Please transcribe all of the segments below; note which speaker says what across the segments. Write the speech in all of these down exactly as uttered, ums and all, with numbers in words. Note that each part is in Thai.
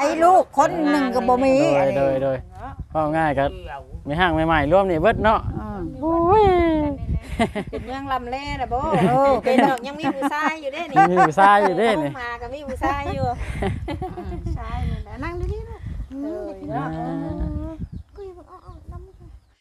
Speaker 1: ลูกคนหนึ่งก็บ่มี
Speaker 2: โดยโดยโดยก็ง่ายก็มีห้างใหม่ๆร่วมนี่เบิดเนาะโอ้ย
Speaker 3: เป็นเมืองลำเล่นะโบเป็นดอกยังมีผู้ชายอยู่เด้นี่
Speaker 2: มีผู้ชายอยู่เด้นี่
Speaker 3: มาก็มีผู้ชายอยู่ชายนี่แหละนั่งดีๆลูกเออเนาะคุยบอกอ้อๆลำ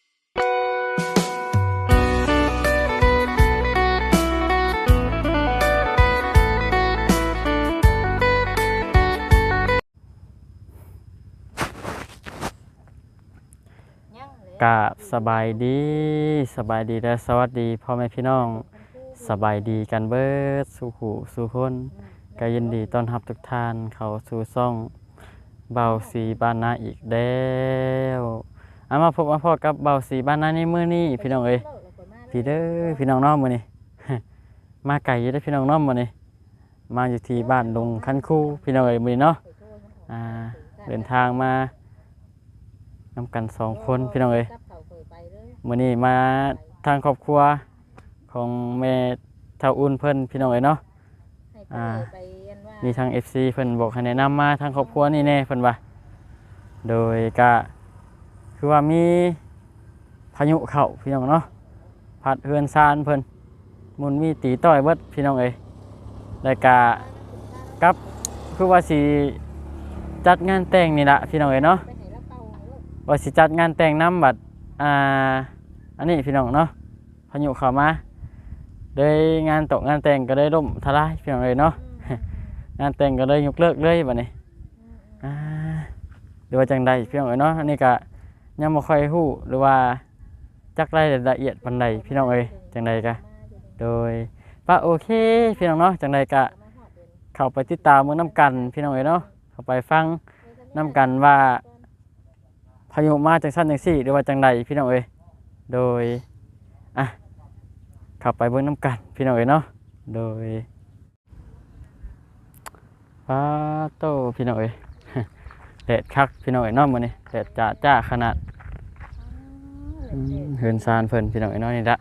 Speaker 2: กะสบายดีสบายดีและสวัสดีพ่อแม่พี่น้องสบายดีกันเบิดสู่หูสู่คนก็ยินดีต้อนรับทุกท่านเข้าสู่ช่องเบาสีบ้านนาอีกแล้วเอามาพบมาพบกับเบาสีบ้านนาในมื้อนี้พี่น้องเอ้ยพี่เด้อพี่น้องน้องมื้อนี้ มาไกลอยู่เด้อพี่น้องน้องมื้อนี้มาอยู่ที่บ้านลุงคันคูพี่น้องเอ้ยมื้อนี้เนาะอ่าเดินทางมานำกันสองคนพี่น้องเอ้ยมื้อนี้มาทางครอบครัวของแม่เฒ่าอุ่นเพิ่นพี่น้องเอ้ยเนาะอ่ามีทาง เอฟ ซี เพิ่นบอกให้แนะนำมาทางครอบครัวนี่แน่เพิ่นว่าโดยก็คือว่ามีพายุเข้าพี่น้องเนาะพัดเฮือนซานเพิ่นมุนมีตีต้อยเบิดพี่น้องเอ้ยแล้วก็กับคือว่าสิจัดงานแต่งนี่ล่ะพี่น้องเอ้ยเนาะว่าสิจัดงานแต่งน้ำบัดอ่าอันนี้พี่น้องเนาะพายุเข้ามาโดยงานตกงานแต่งก็ได้ล่มทลายพี่น้องเอ้ยเนาะ งานแต่งก็เลยยกเลิกเลยบัดนี้อ่าหรือว่าจังใดพี่น้องเอ้ยเนาะอันนี้ก็ยังบ่ค่อยฮู้หรือว่าจักรายละเอียดปานใดพี่น้องเอ้ยจังใดก็โดยว่าโอเคพี่น้องเนาะจังใดก็เข้าไปติดตามเบิ่งนํกันพี่น้องเอ้ยเนาะเข้าไปฟังนํกันว่าพายุมาจังซั่นจังซี่หรือว่าจังใดพี่น้องเอ้ยโดยอ่ะเข้าไปเบิ่งนํกันพี่น้องเอ้ยเนาะโดยป้าโตพี่น้องเอ้ย แดดคักพี่น้องเอ้ยเนาะมื้อนี้แดดจ้าจ้าขนาดเฮือนซานเพิ่นพี่น้องเอ้ยเนาะนี่ละ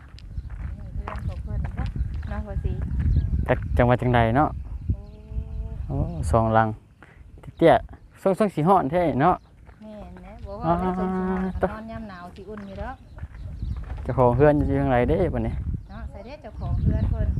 Speaker 2: จักจังหวัดจังใดเนาะโอ้สองหลังเตี้ยๆส่งๆสิฮ้อนแท้เนาะ
Speaker 3: แม่นนะบ่ว่าส่งสิฮ้อนนอนยามหนาวสิอุ่นอยู่ดอก
Speaker 2: เจ้าของเฮือนอยู่จังไดเด้บัดนี้
Speaker 3: เนาะใส่เด้เจ้าของเฮือนเพิ่น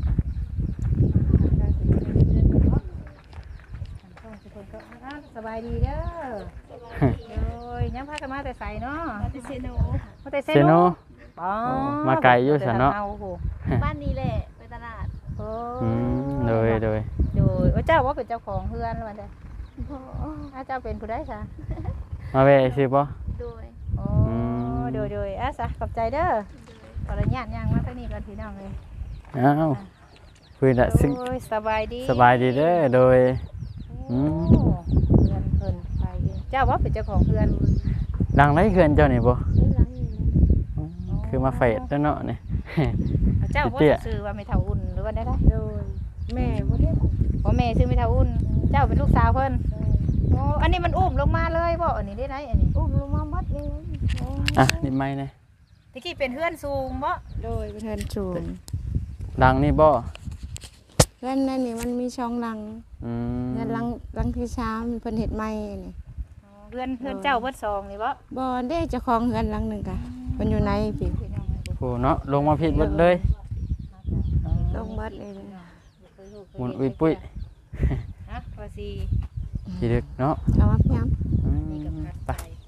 Speaker 3: สบายดีเด้อโอ้ยยังพากันมาแต่ใส่เนาะมาแต่เซโนมาแต่เซโนอ๋อ
Speaker 2: มาไกลอยู่ซั่นเนาะ
Speaker 3: บ้านนี้แหละไปตลาดโอ้
Speaker 2: อืมโดยโดย
Speaker 3: โดยว่าเจ้าว่าเป็นเจ้าของเฮือนแล้วมันได้บ่อ้าเจ้าเป็นผู้ใดซะ
Speaker 2: มาแวะซื่อบ่
Speaker 3: โดยโอ้โดยโดยอ่ะซะขอบใจเด้อขออนุญาตย่างมาทางนี้ก่อนพี่น้องเลย
Speaker 2: อ้าวเพิ่นน่ะ
Speaker 3: โอ้ยสบายดี
Speaker 2: สบายดีเด้อโดย
Speaker 3: อืมเฮือนเพิ่นไปเองเจ้าว่าเป็นเจ้าของเฮือน
Speaker 2: ดังไรเฮือนเจ้านี่บ่คือมาเฟดแล้วเนาะนี่
Speaker 3: เจ้าบ่ชื่อว่าไม่เท่าอุ่นหรือว่าได้ล่ะโดยแม่บ่ได้บ่แม่ชื่อไม่เท่าอุ่นเจ้าเป็นลูกสาวเพิ่นโอ้อันนี้มันอุ้มลงมาเลยบ่อันนี้ได้ไหนอันนี้อุ้มลงมาหมดเลย
Speaker 2: อ่ะนี่ไม้นะ
Speaker 3: ตะกี้เป็นเฮือนสูงบ่โดยเป็นเฮือนสูง
Speaker 2: ดังนี่บ่
Speaker 1: เฮือนนั่นนี่มันมีช่องหลัง
Speaker 2: อืม
Speaker 1: เฮือนหลังหลังที่สามเพิ่นเฮ็ดใหม่นี่
Speaker 3: เฮือนเฮือนเจ้าเบิดสองนี่บ่
Speaker 1: บ่ได้เจ้าของเฮือนหลังนึงกะเพิ่นอยู่ในพี่
Speaker 2: โอ้เนาะลงมาผิดเบิดเลย
Speaker 1: ลงเบิดเลย
Speaker 2: หมุนอุ้ยปุ้ย
Speaker 3: ฮะว่าสิ
Speaker 2: สิดึกเนาะ
Speaker 1: เอามาพี่
Speaker 2: อืมไป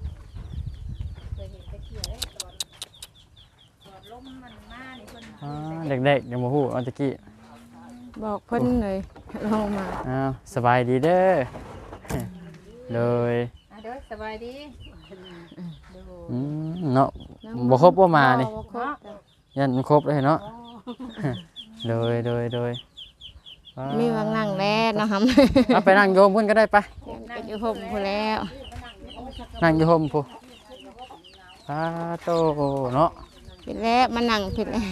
Speaker 2: อ่าเด็กๆยังบ่ฮู้อันตะกี้
Speaker 1: บอกเพิ่นเลยลงมา
Speaker 2: อ้าวสบายดีเด้อเลย
Speaker 3: อ่ะเด้อสบายดี
Speaker 2: อืมเนาะบ่ครบบ่มานี่ยันครบเลยเนาะโดยโดยโดย
Speaker 1: มีวางนั่งแล้วเนาะครับ
Speaker 2: เอาไปนั่งโยมเพิ่นก็ได้ไป
Speaker 1: ไปอยู่ห่มพุ่นแล้ว
Speaker 2: นั่งอยู่ห่มพุ่นสาโตเนาะ
Speaker 1: ผิดแล้วมานั่งผิดแล้ว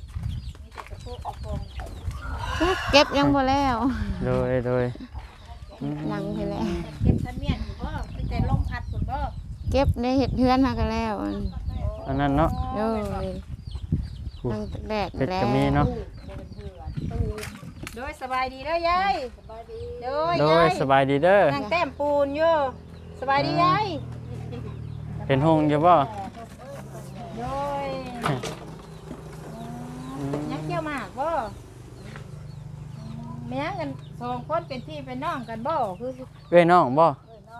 Speaker 1: เก็บยังบ่แล้ว
Speaker 2: โดยโดย
Speaker 1: นั่งผิดแล้ว
Speaker 3: เก็บทันเมียนอยู่บ่เป็นแต่ลมพัดพุ่นบ่
Speaker 1: เก็บได้เฮ็ดเฮือนหากันแล้ว
Speaker 2: อันนั้นเนาะ
Speaker 1: โดยนั่งตากแดด
Speaker 2: แล้วก็มีเนาะ
Speaker 3: โดยสบายดีเด้อยายโดย
Speaker 2: โดยสบายดีเด้อ
Speaker 3: นั่งแต้มปูนอยู่สบายดียาย
Speaker 2: เป็นหงอยู่บ่
Speaker 3: โดยยังเกี่ยวหมากบ่แม่งกันสองคนเป็นพี่เป็นน้องกันบ่คือ
Speaker 2: เอ้ยน้องบ่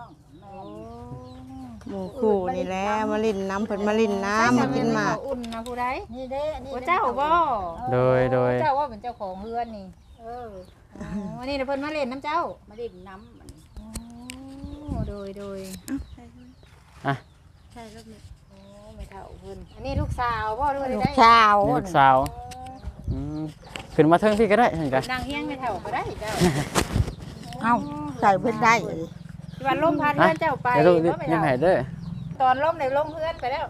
Speaker 1: หมู่คู่นี่แหละมาลินน้ำเพิ่นมาลินน้ำมากินหมาก
Speaker 3: อุ่นนะผู้ใด
Speaker 4: นี่เด้นี่
Speaker 3: ว่าเจ้าบ่
Speaker 2: โดยโดย
Speaker 3: เจ้าว่าเป็นเจ้าของเรือนนี่
Speaker 4: เออ
Speaker 3: วันนี้เพิ่นมาเล่นน้ำเจ้า
Speaker 4: มาดิ่งน้ำมัน
Speaker 3: โอ้โดยโดย
Speaker 2: อ่ะ
Speaker 4: ใช่แล้วเนี่ย
Speaker 3: โอ้ไม่เท่าเพิ่นอันนี้ลูกสาวบ่หรือว่า
Speaker 4: ลูก
Speaker 3: ได้
Speaker 4: สาว
Speaker 2: นี่ลูกสาวอืมขึ้นมาเทิงพี่ก็ได้เห็นกัน
Speaker 3: นางเฮียงไม่เท่าก็ได้เจ้า
Speaker 4: เอ้าใส่เพิ่นได้
Speaker 3: ที่วันล่มพัดเพื่อนเจ้าไป
Speaker 2: เดี๋ยวลูก
Speaker 3: บ่ไม่
Speaker 2: ยิ้ม
Speaker 3: เท่า
Speaker 2: ให้เด้อ
Speaker 3: ตอนล่มในล่มเพื่อนไปแล้ว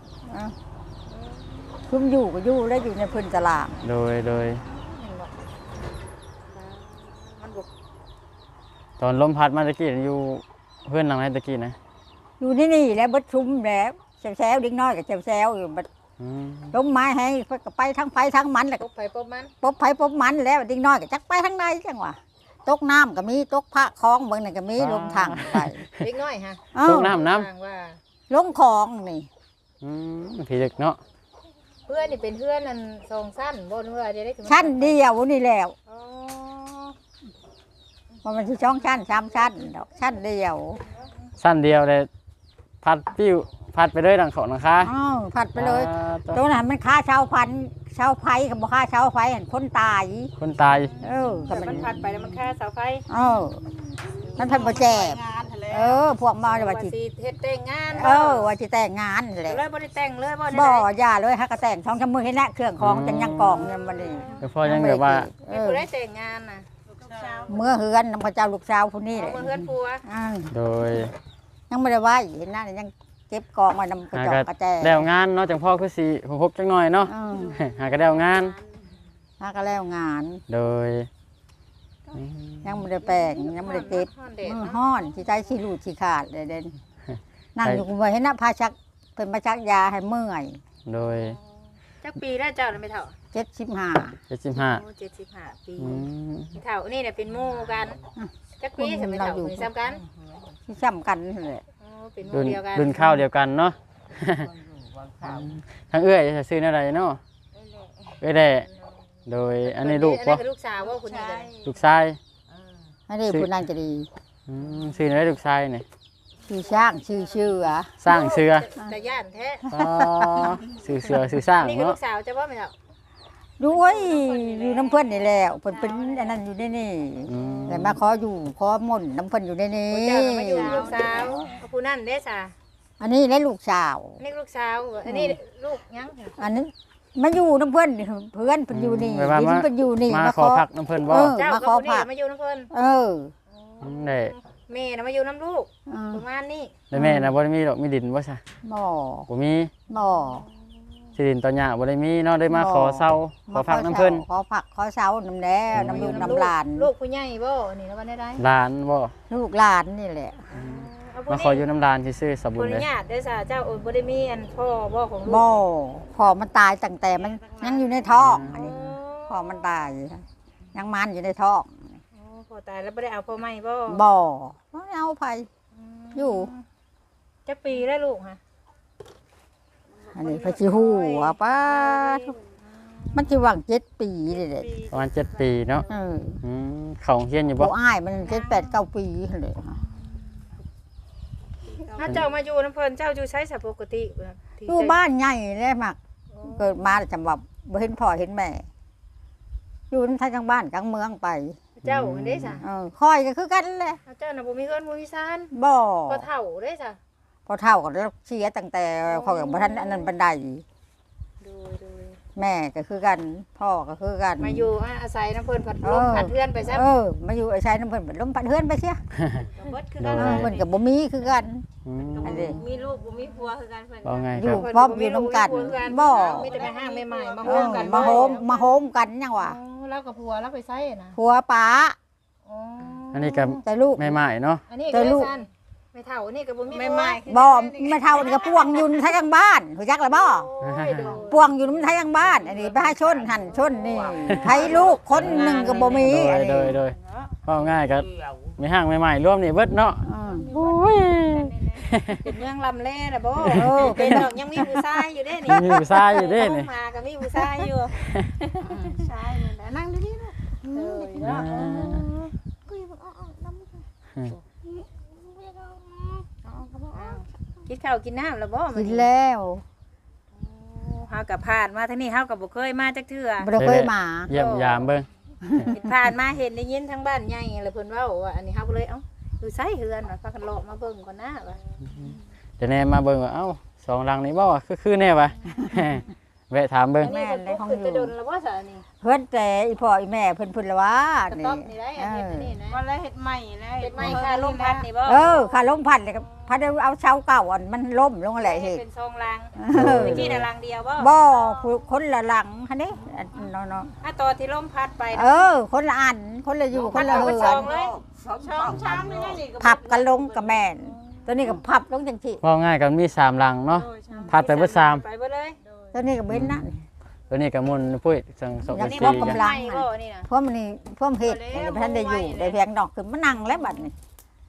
Speaker 4: คุ้มอยู่ก็อยู่แล้วอยู่ในเพิ่นตลาด
Speaker 2: โดยโดย
Speaker 3: มันบุก
Speaker 2: ตอนลมพัดมาตะกี้อยู่เพื่อนหลังไหนตะกี้นะ
Speaker 4: อยู่นี่นี่แหล้วบัดชุมแล้วแซวๆเด็กน้อยก็แซวๆอยู่บัด
Speaker 2: อืม
Speaker 4: ล้มไม้ให้เพิ่นก็ไปทั้งไปทั้งมันแหละ
Speaker 3: ปบไปปบมัน
Speaker 4: ปบไผปบมันแล้วเด็กน้อยก็จักไปทั้งในจังหวะตกน้ำก็มีตกพระคลองเบิ่งนั่นก็มีลงทางไป
Speaker 3: เล็กน้อยฮะ
Speaker 4: เอ้า
Speaker 2: ตกน้ำน้
Speaker 3: ฟังว่า
Speaker 4: ลงคลองนี่
Speaker 2: ำอืมผีเด็กเนาะ
Speaker 3: เพื่อนนี่เป็นเพื่อนนั่นทรงสั้นบนเพื่อจะได้ถึง
Speaker 4: ชั้นเดียวนี่แล้ว
Speaker 3: อ๋อ
Speaker 4: ว่ามันสิช่องชั้นสามชั้นดอกชั้นเดียว
Speaker 2: สั้นเดียวเลยพัดปิ้วพัดไปเลยดังเขานะคะ
Speaker 4: อ้าวผัดไปเลย
Speaker 2: อ่าตัว
Speaker 4: ตรงนั้นมันค่าชาวพันธุ์ชาวไฟกับบ่ค่าชาวไฟเห็นคนตาย
Speaker 2: คนตาย
Speaker 4: เออ
Speaker 3: แต่มันพัดไปแล้วมันแค่เสาไฟ
Speaker 4: เออมันเพันบ่แจกเออ พวกมาว่าสิ
Speaker 3: สีเฮ็ดแต่งงาน
Speaker 4: เออว่าสิแต่งงานนั่นแหละ
Speaker 3: เลยบ่ได้แต่งเลยบ่ได้
Speaker 4: บ่อย่าเลยฮักกระแต่งช่องชะมือให้แน่เครื่องของจังยังกองยังบ่ได้
Speaker 2: เดี๋ยวพ่อยังแบบว่า
Speaker 4: เอ
Speaker 3: ไม่
Speaker 4: อ
Speaker 3: ผู้ได้แต่งงานน่ะ
Speaker 4: เมื่อเฮือนนำพระเจ้าลูกสาวผู้นี้แห
Speaker 3: เอา
Speaker 4: ละ
Speaker 3: มาเฮือนผัว
Speaker 4: อ้าว
Speaker 2: โดย
Speaker 4: ยังบ่ได้ไว้เห็นหน้านี่ยังเก็บกองไว้นำกระจอกกระแจ
Speaker 2: แล้วงานเนาะจังพ่อคือสีหกหกจังหน่อยเนาะ
Speaker 4: เออ
Speaker 2: หากระเดียวงาน
Speaker 4: ฮักก็แล้วงาน
Speaker 2: โดย
Speaker 4: ยังบ่ได้แปลงยังบ่ได้เก็บ
Speaker 3: ฮ้อนแดด
Speaker 4: มือ
Speaker 3: เนาะ
Speaker 4: ห้อนสิใจสิรูดสิขาดเลยเด่นนั่งอยู่กูบ่เห็นนะพาชักเป็นมาชักยาให้เมื่อย
Speaker 2: โดย
Speaker 3: จักปีแล้วเจ้าน่ะไม่เท่า
Speaker 4: เจ็ดสิบห้า
Speaker 2: เจ็ดสิบห้า
Speaker 3: โอ้เจ็ดสิบห้าปี
Speaker 2: อืม
Speaker 3: ไม่เท่านี่เนี่ยเป็นหมู่กันจักปีจะไม่เท่าเหมือนซ้ำกัน
Speaker 4: ที่ซ้ำกันนั่นแหละ
Speaker 3: อ๋อเป็นห
Speaker 2: รุ่
Speaker 3: มู่
Speaker 2: น
Speaker 3: เดียวกัน
Speaker 2: รุ่นข้าวเดียวกันเนาะ ทั้งเอื้อยจะซื้ออะไรเนาะเอ้ยแด่โดยอันนี้ลูก
Speaker 3: อัน
Speaker 2: ปะ
Speaker 3: นี้เป็นลูกสาวว่าคุณนี่เลย
Speaker 2: ลูกชาย
Speaker 4: อันนี้ผู้นั้นจะดี
Speaker 2: อืมซื้ออะไรลูกชายเนี่ย
Speaker 4: ชื่อช่างชื่อชื่ออ่ะ
Speaker 2: สร้างเสือ
Speaker 3: แต่ย่านแท้
Speaker 2: อ๋อซื้อเสือซื้อสร้าง
Speaker 3: นี่คือ
Speaker 2: เนาะ
Speaker 3: ลูกสาวจะว่าไม่เท่า
Speaker 4: ด้วยอยู่น้ำเพิ่นนี่แล้วเพิ่นเป็นอันนั้นอยู่ในนี่
Speaker 2: อืม
Speaker 4: แต่มาขออยู่ขอม่นน้ำเพิ่นอยู่ในนี้
Speaker 3: เจ้าน่ะมาอยู่ลูกสาวกับผู้นั่นเด้ซะ
Speaker 4: อันนี้และลูกสาว
Speaker 3: อันนี้ลูกสาวอันนี้ลูกยัง
Speaker 4: อันนั้นมาอยู่น้ำเพิ่นนี่เพื่อนเพิ่นอยู่นี่
Speaker 2: แบบว่า
Speaker 4: ดิน
Speaker 2: มา
Speaker 4: เพิ่นอยู่นี่
Speaker 2: มาขอพักน้ำเพิ่นบ่
Speaker 4: เออ
Speaker 3: เจ้า
Speaker 4: มา
Speaker 3: กับ
Speaker 4: ขอ
Speaker 3: ผู้นี่
Speaker 4: ผัก
Speaker 3: มาอยู่น้ำเพิ่น
Speaker 4: เออ
Speaker 2: มได้
Speaker 3: แม่น่ะมาอยู่น้ำลูก
Speaker 4: เออ
Speaker 3: ประมาณนี้
Speaker 2: ได้แม่นะบ่ได้มีดอกมีดินบ่ซะ
Speaker 4: บ่
Speaker 2: บ่มี
Speaker 4: บ่
Speaker 2: สิดินตอนหญ้าบ่ได้มีเนาะได้มาขอเซาขอพักน้ำเพิ่น
Speaker 4: ขอผักขอเสาน้ำแล้วน้ำลูกน้ำหลาน
Speaker 3: ลูกผู้ใหญ่บ่นี่แล้ววันได้ได้
Speaker 2: หลานบ่
Speaker 4: ลูกหลานนี่แหละ
Speaker 2: มาขออยู่น้ำหลานซื่อๆสมบู
Speaker 3: ค
Speaker 2: ร
Speaker 3: น
Speaker 2: ณ์เลย
Speaker 3: ญาติเด้อซะเจ้าโอ้บ่ได้มีอันพ่อบ่ของลูก
Speaker 4: บ่พอมันตายตั้งแต่มันยังอยู่ในท้องอันนี้พอมันตายยังมันอยู่ในท้อง
Speaker 3: โอ้พ่อตายแล้วบ่ได้เอาพ่อใหม่บ่
Speaker 4: บ่บ่เอาไผอยู่
Speaker 3: จักปีแล้วลูกฮะ
Speaker 4: อันนี้พระชิฮู้ว่าป้ามันสิหวังเจ็ดปีเลยเด็ด
Speaker 2: ประมาณเจ็ดปีเนาะ
Speaker 4: เออ
Speaker 2: อืมเขาโรงเฮียนอยู่บ่
Speaker 4: ผู้อ้ายมันเจ็ดแปดเก้าปีเลย
Speaker 3: ถ้าเจ้ามาอยู่น้ำเพิ่นเจ้าอยู่ใช้สปกติที่
Speaker 4: อยู่บ้านใหญ่เลยมักเกิดมาแล้วจำว่าบ่เห็นพ่อเห็นแม่ อยู่ทั้งกลางบ้านกลางเมืองไป
Speaker 3: เจ้าอันเด้ซะ
Speaker 4: เออคอยก็คือกันแหละ
Speaker 3: เจ้าน่ะบ่มีเฮือนบ่มีซาน
Speaker 4: บ่
Speaker 3: บ่เฒ่าเด้ซะ
Speaker 4: พอเท่ากันแล้วเสียตั้งแต่เขากับท่านอันนั้นบันได
Speaker 3: ดูดู
Speaker 4: แม่ก็คือกัน พ่อก็คือกัน
Speaker 3: มาอยู่อาศัยน้ำเพิ่นผัดลมผัดเฮือนไปซะ
Speaker 4: เออมาอยู่ไอ้ชายน้ำเพิ่นเป็นลมพัดเฮือนไปเสีย
Speaker 3: เบิดคือ
Speaker 2: โด
Speaker 3: กัน
Speaker 4: เออเพิ่นกับบ่มีคือกัน
Speaker 2: อืม
Speaker 4: อันนี้
Speaker 3: มีลูกบ่มีผัวคือกันเพิ่น
Speaker 2: เอาไง
Speaker 4: อ
Speaker 2: ครั
Speaker 4: ยู่
Speaker 2: บ
Speaker 4: พร้อมอยู่น้ำกันบ่
Speaker 3: มีแต่แม่ห้างแม่ใหม่มา
Speaker 4: เอ
Speaker 3: โฮ
Speaker 4: อ
Speaker 3: มกัน
Speaker 4: มาโฮมมาโฮมกันยังวะ
Speaker 3: แล้วกับผัวแล้วไปไสน่ะ
Speaker 4: ผัวป๋า
Speaker 3: อ๋อ
Speaker 2: อันนี้กับ
Speaker 4: แต่ลูก
Speaker 2: แม่ใหม่เนาะ
Speaker 3: อันนี้ก็ลูกไม่เฒ่านี่ก็บ่มีผัว
Speaker 4: บ่ไม่เท่านี่ก็ป่วงอยู่ในทางบ้านรู้จักแล้วบ่ป่วงอยู่ในทางบ้านอันนี้ไปให้ชนหั่นชนนี่ใครลูกคนหนึงก็บ่มี
Speaker 2: โด
Speaker 4: อั
Speaker 2: ย
Speaker 4: น
Speaker 2: โด
Speaker 4: นี้
Speaker 2: ยโดยก็ง่ายก็ไม่ห่างไม่ใหม่ร่วมนี่เบิดเนาะ
Speaker 4: อืม
Speaker 2: โอ้ย
Speaker 3: เป็นเมืองลำแล่น่ะบ่
Speaker 4: เออ
Speaker 3: เป็
Speaker 4: เป็น น
Speaker 3: ดอกยังมีผู้ชายอยู่เด้นี่
Speaker 2: มีผู้ชายอยู่เด้นี่
Speaker 3: มาก็มีผู้ชายอยู่ชายนั่นแหละนั่งดีๆลูกเออ
Speaker 2: อ่า
Speaker 3: เนาะกินข้าวกินน้ำแล้วบ่
Speaker 4: กินแล้ว
Speaker 3: เฮากับผ่านมาทางนี้เฮากับบ่เคยมาจักเทื่อ
Speaker 4: บ่ได้เคยมา
Speaker 2: เยี่ยมยามเบิ่ง
Speaker 3: ผ่านมาเห็นได้ยินทั้งบ้านใหญ่แล้วเพิ่นเว้าว่าอันนี้เฮาก็เลยเอ้าอยู่ไสเฮือนว่าพากันเลาะมาเบิ่งก่อนนะว่า
Speaker 2: เดี๋ยวแน่มาเบิ่งว่าเอ้าสองหลังนี้บ่ว่าคือคือแน่วะ แวะถามเบิ่ง
Speaker 3: อันนี้เพิ่นปลูกขึ้นไปดนแล้วบ่ซะอันนี้
Speaker 4: เพิ่นแต่อีพ่ออีแม่เพิ่นเพิ่นละว่า
Speaker 3: กระ
Speaker 4: นี่
Speaker 3: ต๊อบนี่ได้อันนี้อันนี้นะ
Speaker 5: วันแล้วเฮ็ดใหม่แล้ว
Speaker 3: เป็นไม้ค่าลมพัดนี่บ่
Speaker 4: เออขาล้มพัดเลยก็พัดเอาเช้าเก่าอันมันล้มลงแหละเฮ็ด
Speaker 3: เป็นทรงรัง
Speaker 4: เออ
Speaker 3: เมื่อกี้น่ะรังเดียวบ่
Speaker 4: บ่ผู้คนละหลังหั่นนี่อันเนาะ
Speaker 3: อ่ะตอนที่ลมพัดไป
Speaker 4: ๆเออ คนละอันคนละอยู่คนละ
Speaker 3: เอา
Speaker 4: เฮื
Speaker 3: ไป
Speaker 4: อ
Speaker 3: ซ
Speaker 4: น
Speaker 3: องเลย
Speaker 5: ช่องชามนี่นี่ก็
Speaker 4: พับกันลงกับแม่นตัวนี้ก็พับลงจังซี่
Speaker 2: ว่าง่ายกันมีสามหลังเนาะพัดไปเบิดสาม
Speaker 3: ไปเบิดเลย
Speaker 4: ตัวนี้ก็เบ้นนั่น
Speaker 2: ตัวนี้ก็มุนปุ้ยจังสอง
Speaker 4: อั
Speaker 2: กัน บ
Speaker 4: นี้
Speaker 2: สี่
Speaker 4: บ่
Speaker 2: กัน
Speaker 4: กำลัง
Speaker 3: ไม้บ่นี่น่ะ
Speaker 4: พวกมันนี่พวกเฮ็ดอันนี้บ่ทันได้อยู่ได้เพียงดอกขึ้นมานั่งแล้วบัดนี้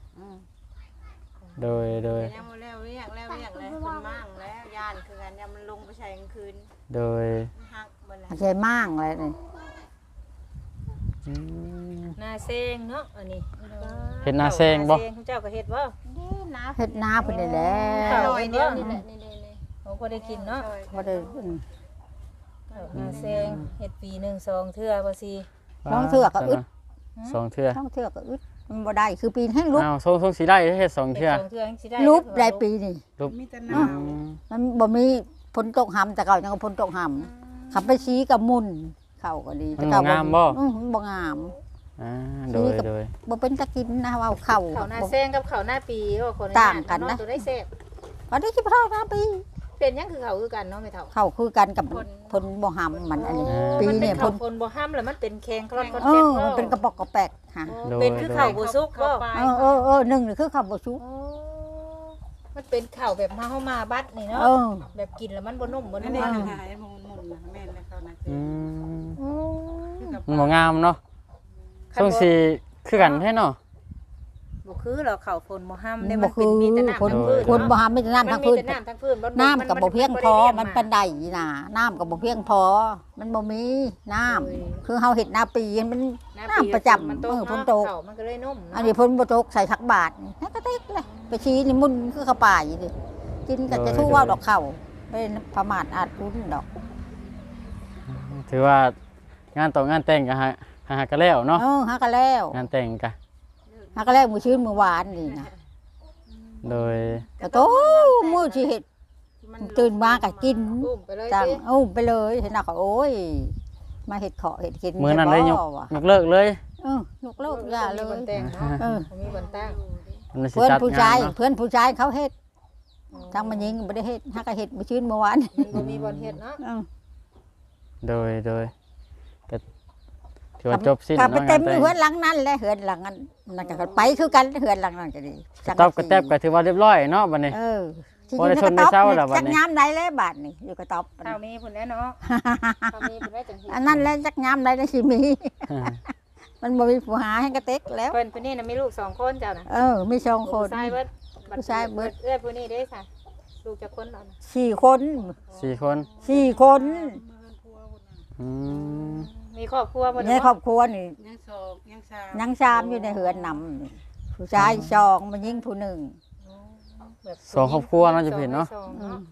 Speaker 2: โดยโดย
Speaker 5: ยังบ่แล้วเรียกแล้วเรียกแล้วคนมั่งแล้วย่านคือกันยามมันลงไปใช้กลางคืน
Speaker 2: โดย
Speaker 5: หักบ่แล้ว
Speaker 4: มันใช่มั่างเลยนี่
Speaker 2: อืม
Speaker 3: หน้าเซงเนาะอันนี้
Speaker 2: เฮ็ดหน้าแซงบ่
Speaker 3: หน้าเซงเจ้าก็เฮ็ดบ่
Speaker 5: นี่นะ
Speaker 4: เฮ็ดนาเพิ่นนี่แหละ
Speaker 3: ข้าวเดียวนี่แหละนี่ๆๆของพอได้กินเนาะ
Speaker 4: บ่ได้
Speaker 3: หน้าเซงเฮ็ดปีหนึ่งสองเทื่อบ่สิ
Speaker 4: น้องเทือกก็อึด
Speaker 2: สองเทื่อ
Speaker 4: ท้องเทือกก็อึดมันบ่ได้คือปีนให้ลุก
Speaker 2: อ้าวทรงทรงสีได้เฮ็ดสอง
Speaker 3: เฮ็ด
Speaker 2: เทื่อ
Speaker 3: สองเทื่อจังสิได้
Speaker 4: ลุกได้ปีนี่
Speaker 2: รูป
Speaker 5: มีแต่ห
Speaker 2: อื
Speaker 5: นาว
Speaker 2: ม
Speaker 4: มันบ่มีฝนตกหำแต่เก่ายังก็ฝนตกหำขับไปชี้กับมุนเข้าก็ดี
Speaker 2: มัน
Speaker 4: แต่
Speaker 2: บ่
Speaker 4: เก่
Speaker 2: งามบ่
Speaker 4: อือมันบ่งาม
Speaker 2: อ่าโดยโดย
Speaker 4: บ่เป็นตะกินนะว่าเข้า
Speaker 3: ข้าวหน้าเซงกับข้าวหน้าปีก็คนละ
Speaker 4: ต่างกันนะ
Speaker 3: ตัวได้แซ่บ
Speaker 4: อันนี้คิดเท่านะปี
Speaker 3: เป็นหยังคือเขาคือกันเนาะแม่เฒ่า
Speaker 4: เข้าคือกันกับฝนบ่หำมันอันนี้ปี
Speaker 3: มั
Speaker 4: เนี่ย
Speaker 3: เป็
Speaker 4: ฝ
Speaker 3: ข้าวน คนบ่ห้ำแล้วมันเป็นแข็งคลอนคลอน
Speaker 4: เอ
Speaker 3: แข็ง
Speaker 4: อมันเป็นกระปอกกระแปกค่ะ
Speaker 3: เป็นคือข้าวบ่สุกบ่
Speaker 4: เออเออเออหนึ่งนี่คือข้าวบ่ชุบ
Speaker 3: โอ้มันเป็นข้าวแบบมาเฮามาบัดนี่เนาะ
Speaker 4: เออ
Speaker 3: แบบกินแล้วมันบ่นุ่มบ่
Speaker 5: นั่
Speaker 3: นุ่
Speaker 5: น
Speaker 3: ม
Speaker 5: เองค่ะไอ้หมุนหมุนนะแม่นแล้วเขานะ
Speaker 2: อืม
Speaker 3: โอ้
Speaker 2: มันบ่งามเนาะทรงสีคือกันแท้เนาะ
Speaker 3: บ่คือหรอกข้าวฝนบ่ห้ำเนี่ย
Speaker 4: บ่
Speaker 3: มัน
Speaker 4: คื
Speaker 3: เป็น
Speaker 4: อ
Speaker 3: มีแต่น้ำ
Speaker 4: ฝน
Speaker 3: ทั้งพื้น
Speaker 4: ฝนบ่หำมีแต่น้ำ
Speaker 3: มั
Speaker 4: ทั้
Speaker 3: น
Speaker 4: ง
Speaker 3: มี
Speaker 4: พื้น
Speaker 3: แต่น้ำทั้งพื้นบ่
Speaker 4: น้ำกับบ่เพียงพอ
Speaker 3: บ่ได้
Speaker 4: มัน
Speaker 3: ลี้ยงา
Speaker 4: เป็นได้น่ะน้ำกับบ่เพียงพอ มันบ่มีน้ำคือเฮาเฮ็ดนาปีมัน น้ำประจำ
Speaker 3: มันต
Speaker 4: เอก อฝน
Speaker 3: เนาะ
Speaker 4: ตก
Speaker 3: ข้าวมันก็เลยนุ่มเนาะ
Speaker 4: อันนี้เพิ่นบ่ตกใส่ทักบาทนี่ให้กระติกเลยไปชี้นี่มุ่นคือข้าวป่าอยู่ดิกินก็จะทู่ว่าดอกข้าวบ่ได้ประมาทอาจรุ้นดอก
Speaker 2: ถือว่างานต่องานแต่งก็หาหากันแล้วเนาะ
Speaker 4: เออหากันแล้ว
Speaker 2: งานแต่งก็
Speaker 4: หากันแล้วมื้อชื่นมื้อหวานนี่นะ
Speaker 2: โดย
Speaker 4: ก็โตมื้อสิเฮ็ดตื่นมาก็กิน
Speaker 3: อุ้มไปเลย
Speaker 4: จัง
Speaker 3: สิ
Speaker 4: เอ้าไปเลยเห็นน่ะก็โอ้ยมาเฮ็ดขอเฮ็ดกิน
Speaker 2: มื้อนั้นได้ยก
Speaker 4: บ่วะ
Speaker 2: ยกเลิกเลย
Speaker 4: เออยกเลิกอย่าเล
Speaker 3: มีบ
Speaker 4: ย
Speaker 3: นแต่งเนาะ
Speaker 4: เออ
Speaker 3: มีบนตั้ง
Speaker 2: มันสิ
Speaker 4: เพื่อน
Speaker 2: จัด
Speaker 4: ผู้ชาย
Speaker 2: งานเนาะ
Speaker 4: เพื่อนผู้ชายเขาเฮ็ดทางมันยิงบ่ได้เฮ็ดหาก็เฮ็ดมื้อชื่นมื้อหวาน
Speaker 3: มันบ่มีบนเฮ็ดเนาะ
Speaker 4: เออ
Speaker 2: โดยโดยก็ถือว่าจบสิ้น
Speaker 4: กลับไป
Speaker 2: เนาะ
Speaker 4: เต็
Speaker 2: งาม นแต่ง
Speaker 4: เฮือนหลังนั้นแหละเฮือนหลังนั้นนั่นก็ไปคือกันเฮือนหลังนั้นก็ดี
Speaker 2: ตอบกระแทบก็ถือว่าเรียบร้อยเนาะบัดนี้
Speaker 4: เออที่
Speaker 2: บ่
Speaker 4: อยู่
Speaker 2: ได้
Speaker 4: ใน
Speaker 2: ช
Speaker 4: ก
Speaker 2: น
Speaker 4: ระ
Speaker 2: ได้
Speaker 4: ต๊อบ
Speaker 2: เช้า
Speaker 4: นี่
Speaker 2: แล้วบัดนี้
Speaker 4: จักยามใดแล้วบาดนี่อยู่กระต๊อบ
Speaker 3: เท่ามีพุ่นแล้วเนาะเท่ามีพุ่นแล้วจังสิ
Speaker 4: อันนั้นแหละจักยามใดได้สิมี มันบ่มีผู้หาให้กระเต็กแล้ว
Speaker 3: เพิ่นผู้นี้น่ะมีลูกสองคนเจ้าน่ะ
Speaker 4: เออมีสองคน
Speaker 3: ผู้ชายเบิด
Speaker 4: ผู้ชายเบิด
Speaker 3: เอ้ยผู้นี้เด้ค่ะลูกจักคนเนาะ
Speaker 4: สี่คน
Speaker 2: สี่คน
Speaker 4: สี่คน
Speaker 2: อืม
Speaker 3: มีครอบครัวบ่
Speaker 4: ในครอบครัวนี่
Speaker 5: ยังโศกยังสาว
Speaker 4: ยังชามอยู่ในเฮือนนำนี่ผู้ชายสองมันยิงผู้หนึ่ง
Speaker 3: แบบ
Speaker 2: สองครอบครัวเนาะจะเห็นเนาะ
Speaker 3: สอง
Speaker 4: อืม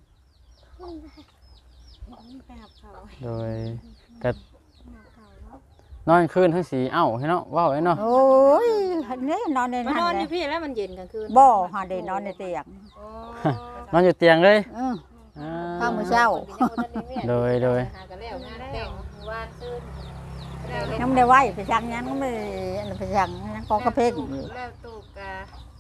Speaker 5: ไปหาเขา
Speaker 2: โดยก็นอนคืนทั้งสีเอ้าให้เนาะว้าวไอ้เนาะ
Speaker 4: โอ้ยอันนี้นอนใน
Speaker 3: มา
Speaker 4: นั้น
Speaker 3: นอนอ
Speaker 4: เล
Speaker 3: ยู่
Speaker 4: ย
Speaker 3: พี่แล้วมันเย็นกลางคืน
Speaker 4: บ่หาได้นอนในเตียง
Speaker 3: โอ้
Speaker 2: นอนอยู่เตียงเลย
Speaker 4: เออ
Speaker 2: อ่า
Speaker 4: ข้าวมื้อเช้า
Speaker 2: โดยโดย
Speaker 3: หากันแล้วงานแต่งวานซื่น
Speaker 4: ยังไม่ได้ไหวไปสั่งยังไม่ได้อันนั้นไปสั่งยังกองกระเพกอยู่
Speaker 5: แล้วตูกกะ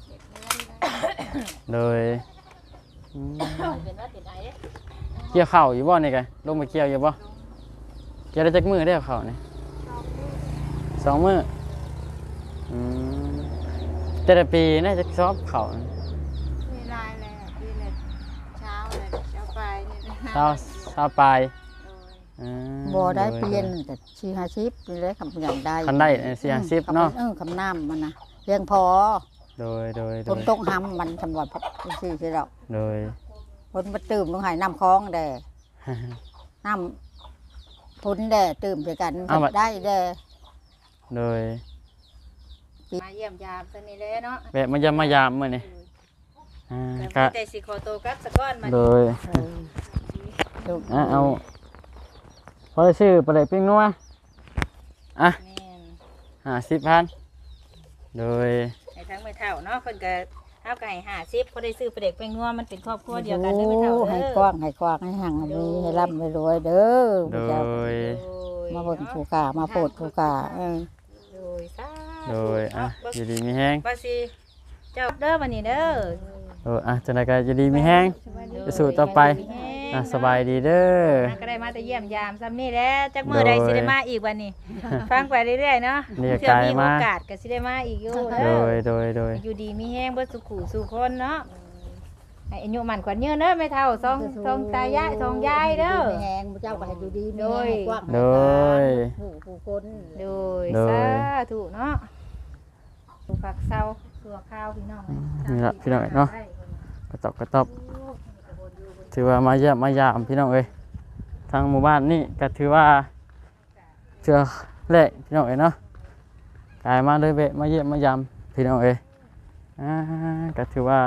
Speaker 2: โดยอืม
Speaker 3: เป็นว่าติดไอ้เด้
Speaker 2: เกี่ยวข้าวอยู่บ่นี่กันลงไปเกี่ยวอยู่บ่เกี่ยวได้จักมือได้ข้าวนี่สองมืออืมแต่ละปีน่าจะชอบข้าวนี่
Speaker 5: มีลายแล้วปีเลยเช้าเลยเช้าไปนี่
Speaker 2: เช้าเช้าปลายอ่า
Speaker 4: บ่ได้
Speaker 2: โ
Speaker 4: เปลี่ยนแต่ชีหาชิปนี่เลยคำอย่างใด
Speaker 2: คันได้สี่ห้าสิบเนาะ
Speaker 4: เออคำน้ำมันนะเพียงพอ
Speaker 2: โดยโดยโด
Speaker 4: ฝน
Speaker 2: ย
Speaker 4: ตกห้ำมันสำหรับซื่อๆดอก
Speaker 2: โดย
Speaker 4: ฝนมาตื่มลงใหายน้ำคลองแด่น้ำฝนแด่ตื่มด้วยกันได้แด่
Speaker 2: โดย
Speaker 3: มาเยี่ยมยามซั่นนี่แหละเนาะ
Speaker 2: แวะมายามมายามมื้อนี้อ่า
Speaker 3: ก็
Speaker 2: ก็
Speaker 3: แต่สิขอตัวกลับสักก้อนมา
Speaker 2: โดย
Speaker 4: ลูก
Speaker 2: อ่ะเอาพอได้ชื่อปลาไหลปิ้งนัวอ่ะ
Speaker 3: แม่น
Speaker 2: ห้าสิบพันโดย
Speaker 3: ให้ทั้งไม่เท่าเนาะเพิ่นก็เฮาก็ให้ห้าสิบพอได้ซื้อปลาเด็กไปงัวมันเป็นครอบครัวเดียวกันเด้อไม่เท่า
Speaker 4: ให้
Speaker 3: เด้อก
Speaker 4: ว้างให้กว้างให้ห่างให้ให้ร่ำให้รวยเด้อ
Speaker 2: โด
Speaker 4: เจ้าย
Speaker 3: โดย
Speaker 4: มาเบิ่งผู้กามาโปรดผู้กาเออ
Speaker 3: โดยสา
Speaker 2: โดยอ่ะอยู่ดีมีแห้ง
Speaker 3: ว่าสิเจ้าเด้อบัดนี้เด้อ
Speaker 2: โอ้อ่ะจังไดก็อยู่ดีมีแห้ง ไปสู่ต่อไป อ่ะสบายดีเด้อ
Speaker 3: ก็ได้มาแต่เยี่ยมยามซ้ำนี่แหละจักมื้อใดสิได้มาอีกวันนี้ ฟังไปเรื่อยๆเนาะ
Speaker 2: เรียก
Speaker 3: เชื่อมี
Speaker 2: กาย
Speaker 3: โอ
Speaker 2: มา
Speaker 3: กาสก็สิได้มาอีกอยู่
Speaker 2: โด
Speaker 3: เด้อย
Speaker 2: โดยโดย
Speaker 3: อยู่ดีมีแห้งเบิดสุขุสู่คนเนาะให้อายุมันขวัญยืนเด้อแม่เฒ่าสองสองตายายสองยายเด้อ
Speaker 4: แหงเจ้าก็ให้อยู่ดีมี
Speaker 3: โดย
Speaker 4: แหงกว้าง
Speaker 2: โดย
Speaker 4: ผู้ผู้คน
Speaker 3: โดย
Speaker 2: โดย
Speaker 3: สาธุเนาะผู้ผักเซาตัวข้าวพี่น้อง
Speaker 2: นี่ละพี่น้องเนาะกระตอบกระตอบถือว่ามาเยี่ยมมายามพี่น้องเอ้ยทางหมู่บ้านนี่ก็ถือว่าเชื่อแรกพี่น้องเอ้ยเนาะกลายมาเลยเวะมาเยี่ยมมายามพี่น้องเอ้ยอ่าก็ถือว่า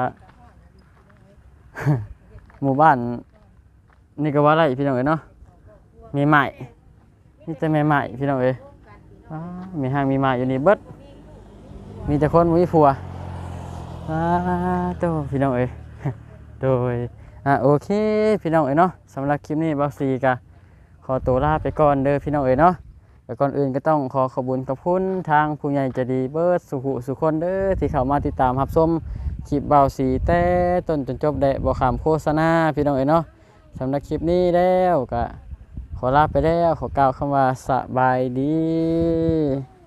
Speaker 2: หมู่บ้านนี่ก็ว่าไรพี่น้องเอ้ยเนาะมีใหม่นี่จะมีใหม่พี่น้องเอ้ยว้ามีห้างมีใหม่อยู่นี่เบิดมีแต่คนมีผัวว้าโตพี่น้องเอ้ย โดยอ่ะโอเคพี่น้องเอ้ยเนาะสำหรับคลิปนี้บักซีกะขอตัวลาไปก่อนเด้อพี่น้องเอ้ยเนาะแต่ก่อนอื่นก็ต้องขอขอบคุญขอบคุณทางผู้ใหญ่ใจดีเบิร์ดสุขุสุคนเด้อที่เข้ามาติดตามรับชมคลิปเบาสีแต่ต้นจนจบได้บ่ขามโฆษณาพี่น้องเอ้ยเนาะสำหรับคลิปนี้แล้วก็ขอลาไปแล้วขอกล่าวคำว่าสบายดี